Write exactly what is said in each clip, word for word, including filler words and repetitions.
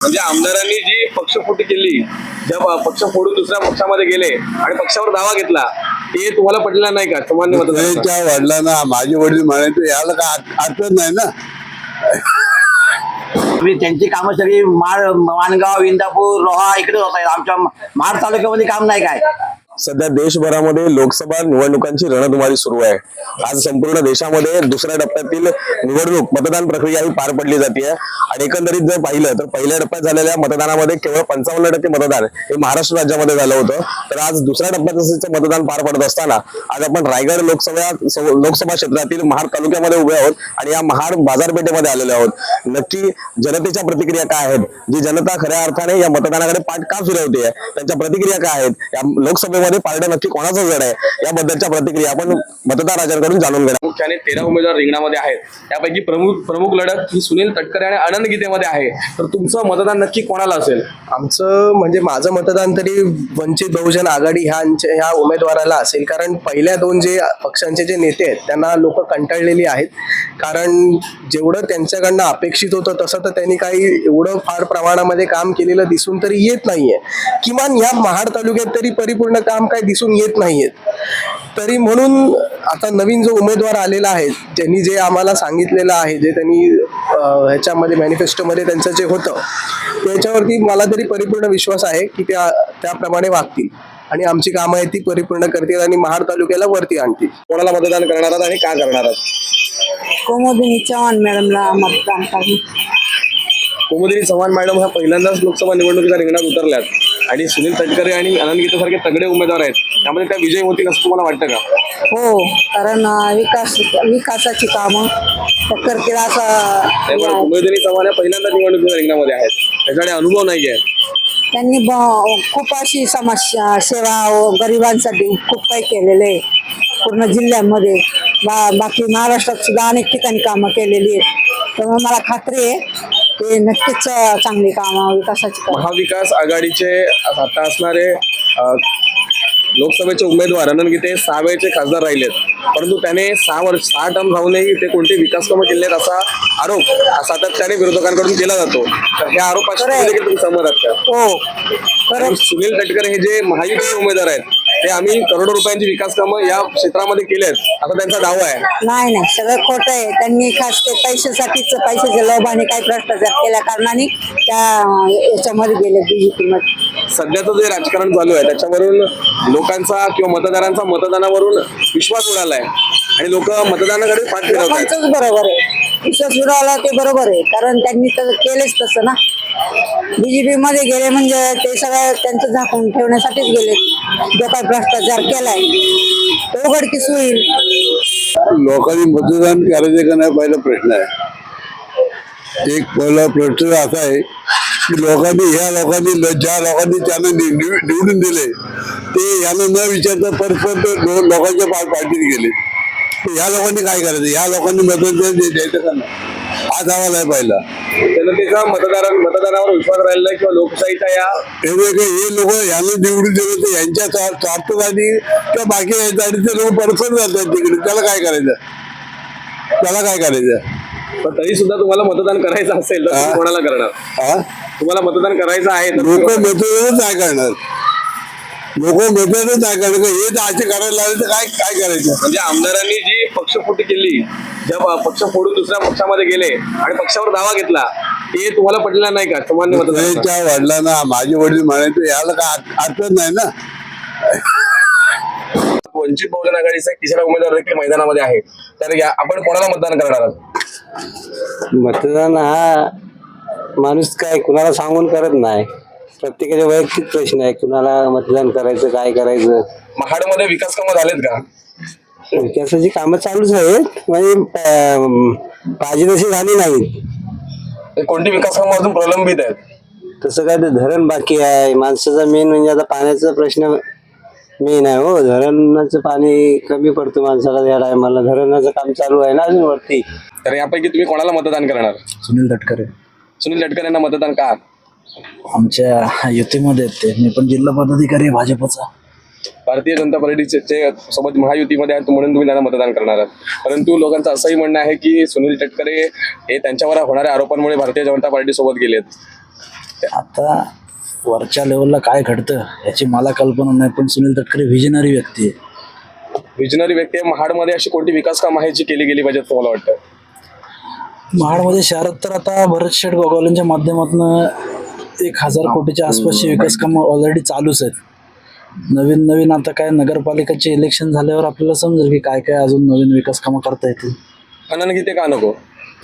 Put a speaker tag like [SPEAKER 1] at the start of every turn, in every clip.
[SPEAKER 1] म्हणजे आमदारांनी जी पक्षफोटी केली, ज्या पक्ष फोडून दुसऱ्या पक्षामध्ये गेले आणि पक्षावर दावा घेतला, ते तुम्हाला पटलं नाही का? सामान्य मतदारांना
[SPEAKER 2] त्या वडिलांना माझे वडील म्हणायचे याला काय अर्थ नाही ना.
[SPEAKER 3] त्यांची कामं सगळी माळ, माणगाव, इंदापूर, रोहा इकडे होत आहेत. आमच्या महाड तालुक्यामध्ये काम नाही काय.
[SPEAKER 1] सध्या देशभरामध्ये लोकसभा निवडणुकांची रणधुमाळी सुरू आहे. आज संपूर्ण देशामध्ये दुसऱ्या टप्प्यातील निवडणूक मतदान प्रक्रिया ही पार पडली जाते आणि एकंदरीत जर पाहिलं तर पहिल्या टप्प्यात झालेल्या मतदानामध्ये केवळ पंचावन्न टक्के मतदान हे महाराष्ट्र राज्यामध्ये झालं होतं. तर आज दुसऱ्या टप्प्यात मतदान पार पडत असताना आज आपण रायगड लोकसभा लोकसभा क्षेत्रातील महाड तालुक्यामध्ये उभे आहोत आणि या महाड बाजारपेठेमध्ये आलेले आहोत. नक्की जनतेच्या प्रतिक्रिया काय आहेत, जी जनता खऱ्या अर्थाने या मतदानाकडे पाठ का फिरवते, त्यांच्या प्रतिक्रिया काय आहेत, या लोकसभेमध्ये पारडं नक्की कोणाचं जड आहे, याबद्दलच्या प्रतिक्रिया आपण मतदारांकडून जाणून घेणार. मुख्याने तेरा उमेदवार रिंगणामध्ये आहेत. त्यापैकी प्रमुख प्रमुख लढत ही सुनील तटकरे आणि आनंद गीतेमध्ये आहे. तर तुमचं मतदान नक्की कोणाला असेल?
[SPEAKER 4] आमचं म्हणजे माझं मतदान तरी वंचित बहुजन आघाडी ह्यांच्या ह्या उमेदवाराला असेल. कारण पहिल्या दोन जे पक्षांचे जे नेते आहेत त्यांना लोक कंटाळलेली आहेत. कारण जेवढं त्यांच्याकडनं अपेक्षित होतं तसं तर त्यांनी काही एवढं फार प्रमाणामध्ये काम केलेलं दिसून तरी येत नाहीये. किमान ह्या महाड तालुक्यात तरी परिपूर्ण काम काही दिसून येत नाहीये. तरी म्हणून आता नवीन जो उमेदवार आलेला आहे, ज्यांनी जे आम्हाला सांगितलेलं आहे, जे त्यांनी ह्याच्यामध्ये मॅनिफेस्टोमध्ये त्यांचं जे होतं त्याच्यावरती मला तरी परिपूर्ण विश्वास आहे की त्या त्याप्रमाणे वागतील आणि आमची कामं आहे ती परिपूर्ण करतील आणि महाड तालुक्याला वरती आणतील.
[SPEAKER 1] कोणाला मतदान करणार आहात आणि का करणार आहात?
[SPEAKER 5] कुमुदिनी चव्हाण मॅडमला मतदान करणार.
[SPEAKER 1] कुमुदिनी चव्हाण मॅडम ह्या पहिल्यांदाच लोकसभा निवडणुकीच्या रिंगणात उतरल्यात आणि सुनील तटकरे आणि आनंद गीतेसारखे तगडे उमेदवार आहेत. त्यामध्ये त्या विजयी होतील असं तुम्हाला वाटतं का?
[SPEAKER 5] हो, कारण विकास विकासाची कामं करतील असं.
[SPEAKER 1] कुमुदिनी चव्हाण या पहिल्यांदाच निवडणुकीच्या रिंगणामध्ये आहेत, त्याच्याकडे अनुभव नाहीये.
[SPEAKER 5] त्यांनी खूप अशी समस्या सेवा गरिबांसाठी खूप काही केलेले आहे पूर्ण जिल्ह्यामध्ये. बा बाकी महाराष्ट्रात सुद्धा अनेक ठिकाणी कामं केलेली आहेत. त्यामुळे मला खात्री आहे ते नक्कीच चांगली कामं विकासाची.
[SPEAKER 1] महाविकास आघाडीचे आता असणारे लोकसभेचे उमेदवार आनंद गीते सहा वेळचे खासदार राहिलेत, परंतु त्याने सहा वर्ष सहा टर्म राहूनही ते कोणते विकास कामं केले आहेत असा आरोप सातत्याने विरोधकांकडून केला जातो. तर ह्या आरोपाशी देखील तुम्ही सहमत आहात का?
[SPEAKER 5] हो, खरं.
[SPEAKER 1] सुनील तटकरे हे जे महायुतीचे उमेदवार आहेत ते आम्ही करोडो रुपयांची विकास कामं या क्षेत्रामध्ये केली आहेत असा त्यांचा दावा आहे.
[SPEAKER 5] नाही नाही, सगळं खोटं आहे. त्यांनी खास ते पैशासाठीच पैशाच्या लोभाने काही भ्रष्टाचार केल्या कारणाने त्या याच्यामध्ये गेले बीजेपीमध्ये.
[SPEAKER 1] सध्याचं जे राजकारण चालू आहे त्याच्यावरून लोकांचा किंवा मतदारांचा मतदानावरून विश्वास उडालाय आणि लोक मतदानाकडे पाठ फिरवत आहेत.
[SPEAKER 5] बरोबर आहे, विश्वास उडाला ते बरोबर आहे. कारण त्यांनी तर केलेच तसं ना. बीजेपी मध्ये गेले म्हणजे ते सगळं त्यांचं झाकून ठेवण्यासाठीच गेले. जो काही भ्रष्टाचार केलाय तो उघडकीस होईल.
[SPEAKER 2] लोकांनी मतदान करायचे का नाही पहिला प्रश्न आहे. एक पहिला प्रश्न असा आहे की लोकांनी ह्या लोकांनी ज्या लोकांनी त्यांना निवडून दिले ते यांना न विचारता परस्पर लोकांच्या पाठीत गेले. ह्या लोकांनी काय करायचं? ह्या लोकांनी मतदान द्यायचं का नाही हा दावा नाही पाहिला.
[SPEAKER 1] जनतेचा मतदारां मतदानावर विश्वास राहिला नाही किंवा लोकशाहीच्या या
[SPEAKER 2] हे लोक यांना निवडून दिले तर यांच्या स्वार्थासाठी किंवा बाकी यासाठी ते लोक परस्पर जातात तिकडे. त्याला काय करायचं? त्याला काय करायचं?
[SPEAKER 1] पण तरी सुद्धा तुम्हाला मतदान करायचं असेल तर तुम्ही कोणाला करणार?
[SPEAKER 2] हा,
[SPEAKER 1] तुम्हाला मतदान करायचं आहे तर
[SPEAKER 2] लोक मतदानच नाही करणार. लोक मतदानच नाही करणार. हे तर असे करायला लागले तर काय काय करायचं?
[SPEAKER 1] म्हणजे आमदारांनी जी पक्षफोटी केली, ज्या पक्ष फोडून दुसऱ्या पक्षामध्ये गेले आणि पक्षावर दावा घेतला, ते तुम्हाला पटलं नाही का? सामान्य मतदार
[SPEAKER 2] त्या वडिलांना माझे वडील म्हणायचे याला काय अर्थ नाही ना.
[SPEAKER 1] वंचित बहुजन आघाडीचा तिसरा उमेदवार देखील मैदानामध्ये आहे. तर या आपण कोणाला मतदान करणार आहात?
[SPEAKER 6] मतदान हा माणूस काय कुणाला सांगून करत नाही. प्रत्येकाचे वैयक्तिक प्रश्न आहे, कुणाला मतदान करायचं, काय करायचं.
[SPEAKER 1] महाडमध्ये विकास कामं झालेत का?
[SPEAKER 6] विकासाची कामं चालूच आहेत, म्हणजे पाहिजे तशी झाली नाहीत.
[SPEAKER 1] कोणती विकास कामं अजून प्रलंबित आहेत?
[SPEAKER 6] तसं काय ते धरण बाकी आहे. माणसाचा मेन म्हणजे आता पाण्याचा प्रश्न मेन आहे. हो, धरणाचं पाणी कमी पडतं माणसाला. या टायमाला धरणाचं काम चालू आहे ना अजून वरती.
[SPEAKER 1] तर यापैकी तुम्ही कोणाला मतदान करणार?
[SPEAKER 7] सुनील तटकरे.
[SPEAKER 1] सुनील तटकरे यांना मतदान का?
[SPEAKER 7] आमच्या युतीमध्ये ते मी पण जिल्हा पदाधिकारी आहे भाजपचा.
[SPEAKER 1] भारतीय जनता पार्टीचे सोबत महायुतीमध्ये आहेत म्हणून तुम्ही त्यांना मतदान करणार आहात. परंतु लोकांचं असंही म्हणणं आहे की सुनील तटकरे हे त्यांच्यावर होणाऱ्या आरोपांमुळे भारतीय जनता पार्टी सोबत गेलेत.
[SPEAKER 7] आता वरच्या लेवलला काय घडतं याची मला कल्पना नाही, पण सुनील तटकरे व्हिजनरी व्यक्ती आहे.
[SPEAKER 1] विजनरी व्यक्ती आहे. महाडमध्ये अशी कोणती विकास कामं आहेत जी केली गेली पाहिजेत तुम्हाला वाटतं?
[SPEAKER 7] महाडमध्ये शहरात तर आता भरत शेठ गोगावलेंच्या माध्यमातून एक हजार कोटीच्या आसपासची विकास कामं ऑलरेडी चालूच आहेत. नवीन नवीन आता काय नगरपालिकाचे इलेक्शन झाल्यावर आपल्याला समजेल की काय काय अजून नवीन विकास कामं करता येतील.
[SPEAKER 1] आनंद गीते का नको?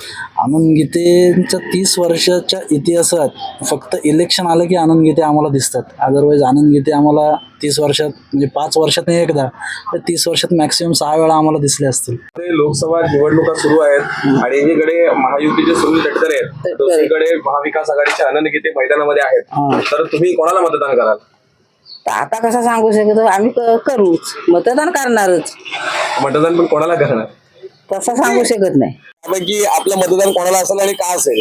[SPEAKER 7] आनंद गीतेंच्या तीस वर्षाच्या इतिहासात फक्त इलेक्शन आलं की आनंद गीते आम्हाला दिसतात. अदरवाईज आनंद गीते आम्हाला तीस वर्षात म्हणजे पाच वर्षात नाही एकदा तर तीस वर्षात मॅक्सिमम सहा वेळा आम्हाला दिसले असतील.
[SPEAKER 1] लोकसभा निवडणुका सुरू आहेत आणि एकीकडे महायुतीचे सुनील तटकरे आहेत, दुसरीकडे महाविकास आघाडीचे आनंद गीते मैदानामध्ये आहेत. तर तुम्ही कोणाला मतदान कराल?
[SPEAKER 5] आता कसं सांगू शकतो, आम्ही क- करूच मतदान करणारच,
[SPEAKER 1] मतदान पण कोणाला करणार?
[SPEAKER 5] तसं सांगू शकत नाही.
[SPEAKER 1] त्यापैकी आपलं मतदान कोणाला असेल आणि का असेल?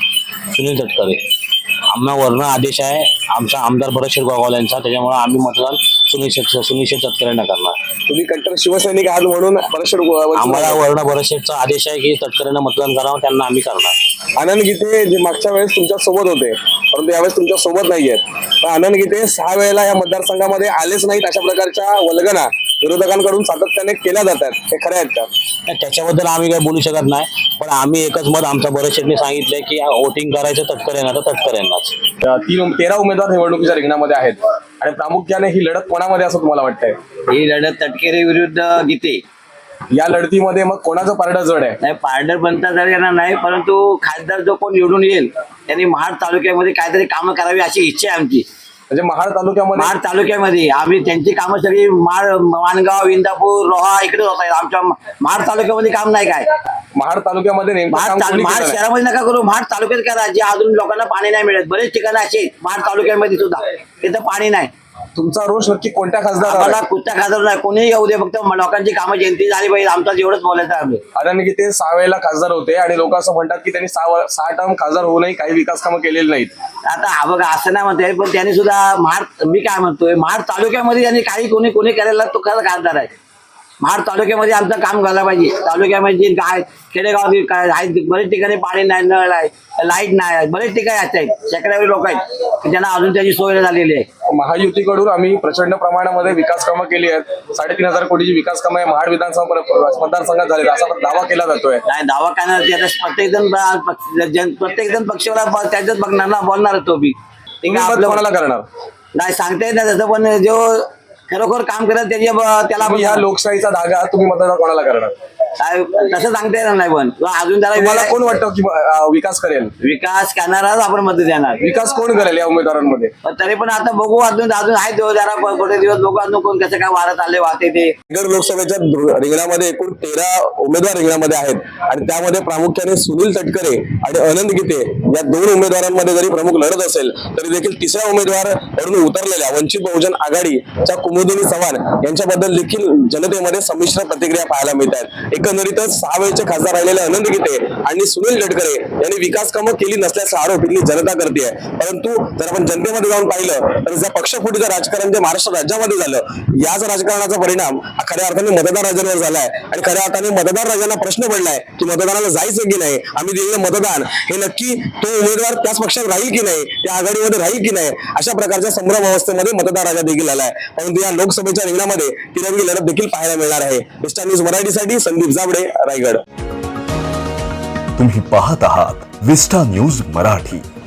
[SPEAKER 3] सुनील तटकरे. आम्हा वर्ण आदेश आहे आमचा आमदार भरत शेठ गोगावले यांचा, त्याच्यामुळे आम्ही मतदान सुनील शेठ सुनील शेठ तटकरेंना करणार.
[SPEAKER 1] तुम्ही कट्टर शिवसैनिक आहात म्हणून परमेश्वर
[SPEAKER 3] आम्हाला वर्ण भरत शेठचा आदेश आहे की तटकरेंना मतदान करावं, त्यांना आम्ही करणार.
[SPEAKER 1] आनंद गीते जे मागच्या वेळेस तुमच्या सोबत होते परंतु यावेळेस तुमच्या सोबत नाहीयेत. पण आनंद गीते सहा वेळेला या मतदारसंघामध्ये आलेच नाहीत, अशा प्रकारच्या वल्गना विरोधकांकडून सातत्याने केल्या जातात. हे खरे आहेत का?
[SPEAKER 3] त्याच्याबद्दल आम्ही काही बोलू शकत नाही, पण आम्ही एकच मत आमच्या भरत शेठने सांगितलंय की वोटिंग करायचं तटकरेंना तर तटकरेंनाच.
[SPEAKER 1] तीन तेरा उमेदवार निवडणुकीच्या रिंगणामध्ये आहेत आणि प्रामुख्याने ही लढत कोणामध्ये असं तुम्हाला वाटतंय?
[SPEAKER 3] ही लढत तटकरे विरुद्ध गीते.
[SPEAKER 1] या लढतीमध्ये मग कोणाचं पारडं जड आहे?
[SPEAKER 3] नाही, पारडर बनता जर येणार नाही, परंतु खासदार जो कोण निवडून येईल त्यांनी महाड तालुक्यामध्ये काहीतरी कामं करावी अशी इच्छा आहे आमची.
[SPEAKER 1] म्हणजे महाड तालुक्यामध्ये
[SPEAKER 3] महाड तालुक्यामध्ये आम्ही त्यांची कामं सगळी महाड माणगाव इंदापूर रोहा इकडे होत आहेत. आमच्या महाड तालुक्यामध्ये काम नाही काय.
[SPEAKER 1] महाड तालुक्यामध्ये नेमकं
[SPEAKER 3] महाड
[SPEAKER 1] काम
[SPEAKER 3] तालु-
[SPEAKER 1] कोणी
[SPEAKER 3] महाड
[SPEAKER 1] केलं नाही?
[SPEAKER 3] शहरामध्ये नका करू, महाड तालुक्यात करा, जे अजून लोकांना पाणी नाही मिळत. बरेच ठिकाणं असे आहेत महाड तालुक्यामध्ये सुद्धा तिथं पाणी नाही.
[SPEAKER 1] तुमचा रोष नक्की कोणत्या खासदार
[SPEAKER 3] आम्हाला कुठच्या खासदार नाही, कोणीही येऊ दे, फक्त लोकांची कामं जयंती झाली पाहिजे. आमचा एवढंच बोलायचं आहे. आम्ही
[SPEAKER 1] आनंद गीते सहा वेळेला खासदार होते आणि लोक असं म्हणतात की त्यांनी सहा वर- सहा टर्म खासदार होऊनही काही विकास कामं केलेली नाहीत.
[SPEAKER 3] आता हा बघा असं नाही म्हणतोय, पण त्यांनी सुद्धा महाड मी काय म्हणतोय महाड तालुक्यामध्ये त्यांनी काही कोणी कोणी केलेला तो खरं खासदार आहे. महाड तालुक्यामध्ये आमचं काम झालं पाहिजे. तालुक्यामध्ये जे काय खेडेगाव बी काय आहेत, बरेच ठिकाणी पाणी नाही, नळ आहे, लाईट नाही, बरेच ठिकाणी असत आहेत, शेकड्यावरील लोक आहेत की ज्यांना अजून त्याची सोय झालेली आहे.
[SPEAKER 1] महायुतीकडून आम्ही प्रचंड प्रमाणामध्ये विकास कामं केली आहेत. साडेतीन हजार कोटीची विकास कामं आहे महाड विधानसभा पर- मतदारसंघात झाली असा दावा केला जातोय.
[SPEAKER 3] नाही दावा काय नाही, आता प्रत्येक जण प्रत्येक जण पक्षाला त्याच्यात बघणार ना, बोलणार तो बी. ते
[SPEAKER 1] तुम्ही
[SPEAKER 3] काय
[SPEAKER 1] मत
[SPEAKER 3] आपलं
[SPEAKER 1] कोणाला करणार?
[SPEAKER 3] नाही सांगता येत नाही तसं, पण जो खरोखर काम करत त्याच्या त्याला
[SPEAKER 1] तुम्ही ह्या लोकशाहीचा धागा तुम्ही मतदान कोणाला करणार?
[SPEAKER 3] काय तसं सांगता येणार नाही, पण अजून त्याला
[SPEAKER 1] तुम्हाला
[SPEAKER 3] वेळ-
[SPEAKER 1] कोण वाटतं की अं, विकास करेल?
[SPEAKER 3] विकास करणाराच आपण मत देणार.
[SPEAKER 1] विकास कोण करेल या उमेदवारांमध्ये?
[SPEAKER 3] पण तरी पण आता बघू, अजून अजून आहे दिवस जरा थोडे दिवस बघू अजून कोण कसं काय वारत आले वाहते ते.
[SPEAKER 1] रायगड लोकसभेच्या दु- रिंगणामध्ये एकूण तेरा उमेदवार रिंगणामध्ये आहेत आणि त्यामध्ये प्रामुख्याने सुनील तटकरे आणि आनंद गीते या दोन उमेदवारांमध्ये जरी प्रमुख लढत असेल तरी देखील तिसऱ्या उमेदवार म्हणून उतरलेल्या वंचित बहुजन आघाडीच्या कुमुदिनी चव्हाण यांच्याबद्दल देखील जनतेमध्ये संमिश्र प्रतिक्रिया पाहायला मिळत आहेत. एकंदरीतच सहा वेळचे खासदार राहिलेले आनंद गीते आणि सुनील तटकरे यांनी विकास कामं केली नसल्याचा आरोप इथली जनता करते आहे. परंतु जर आपण जनतेमध्ये जाऊन पाहिलं तर ज्या पक्षफुटीचं राजकारण जे महाराष्ट्र राज्यामध्ये झालं याच राजकारणाचा परिणाम हा खऱ्या अर्थाने मतदार राजांवर झालाय आणि खऱ्या अर्थाने मतदार राजांना प्रश्न पडलाय की मतदानाला जायचं की नाही, आम्ही दिलेलं मतदान हे नक्की तो उमेदवार त्याच पक्षात राहील की नाही, त्या आघाडीमध्ये राहील की नाही, अशा प्रकारच्या संभ्रम अवस्थेमध्ये मतदार राजा देखील आलाय. परंतु या लोकसभेच्या रिंगणामध्ये तिरंगी लढत देखील पाहायला मिळणार आहे. विस्टार न्यूज मराठीसाठी संदीप जाबडे, रायगड.
[SPEAKER 8] तुम्ही पाहत आहात विस्टा न्यूज मराठी.